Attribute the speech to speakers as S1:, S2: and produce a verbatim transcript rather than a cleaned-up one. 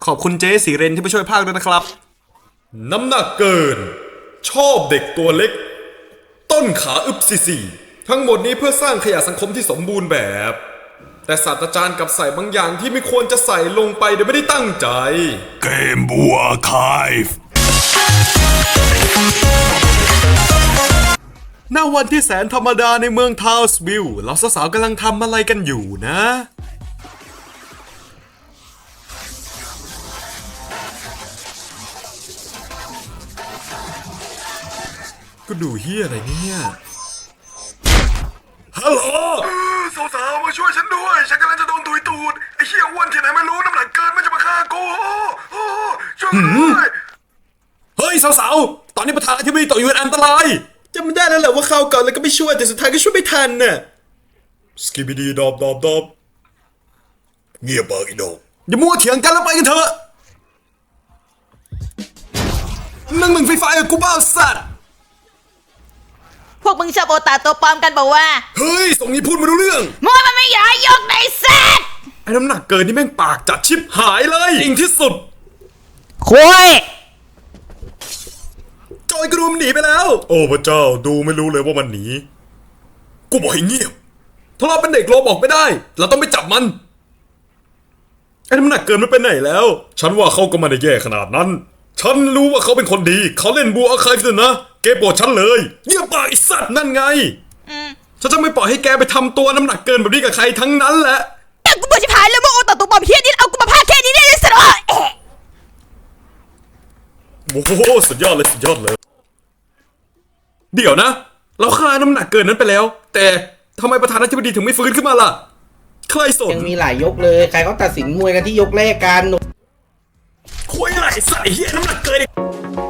S1: อบคุณเจ๊สีเรนที่มาช่วยพากย์ด้วยนะครับ
S2: น้ำหนักเกินชอบเด็กตัวเล็กต้นขาอึบซีซีทั้งหมดนี้เพื่อสร้างขยะสังคมที่สมบูรณ์แบบแต่ศาสตราจารย์กลับใส่บางอย่างที่ไม่ควรจะใส่ลงไปโดยไม่ได้ตั้งใจ
S3: เกมบัวคาย
S1: ณวันที่แสนธรรมดาในเมืองทาวส์วิลล์เราสาวๆกำลังทำอะไรกันอยู่นะก็ดูเฮียอะไรเนี่ยฮัลโหล
S3: สาวๆมาช่วยฉันด้วยฉันกำลังจะโดนตุยตูดไอ้เหี้ยอ้วนที่ไหนไม่รู้น้ำหนักเกินมันจะมาฆ่ากูช่วยด้วย
S1: เฮ้ยสาวๆตอนนี้ประธานาธิบดีตกอยู่ในอันตรายจำไม่ได้แล้วแหละว่าเข้าก่อนแล้วก็ไม่ช่วยแต่สุดท้ายก็ช่วยไม่ทันน่ะ
S2: สกิบิดีดอบดอบดอบ
S3: เงียบปากอีดอก
S1: อย่ามัวเถียงกันแล้วไปกันเถอะนั่งหนึ่งไฟฟ้ากับกูบ้าสัตว์
S4: พวกมึงชอบโอตาตัวปลอมกันบอกว่า
S2: เฮ้ยส่งนี้พูดไม่รู้เรื่อง
S4: มัวมันไม่อยากยกในเซต
S2: ไอ้น้ำหนักเกินนี่แม่งปากจัดชิบหายเลยจริงที่สุด
S4: คุย
S2: จอยกระดุมหนีไปแล้วโอ้พระเจ้าดูไม่รู้เลยว่ามันหนีกูบอกให้เงียบถ้าเราเป็นเด็กโลบอกไม่ได้เราต้องไปจับมันไอ้น้ำหนักเกินมันไปไหนแล้วฉันว่าเขาก็ไม่ได้แย่ขนาดนั้นฉันรู้ว่าเขาเป็นคนดีเขาเล่นบัวอาคายสินะแกโปรดฉันเลยเงียบปากไอ้สัตว์นั่นไงฉันจะไม่ปล่อยให้แกไปทำตัวน้ำหนักเกินแบบนี้กับใครทั้งนั้นแหละ
S4: แต่กูบอกจะพายแล้วว่าโอตาตัวปลอมเฮียนี่เอากูมาพาแค่นี้ได้เลยสิวะ
S2: โอ้โหสุดยอดเลยสุดยอดเลยเดี๋ยวนะเราฆ่าน้ำหนักเกินนั้นไปแล้วแต่ทำไมประธานาธิบดีถึงไม่ฟื้นขึ้นมาล่ะใครสน
S5: ยังมีหลายยกเลยใครเขาตัดสินมวยกันที่ยกแรกกัน
S2: คุยอะไรใส่เฮียน้ำหนักเกิน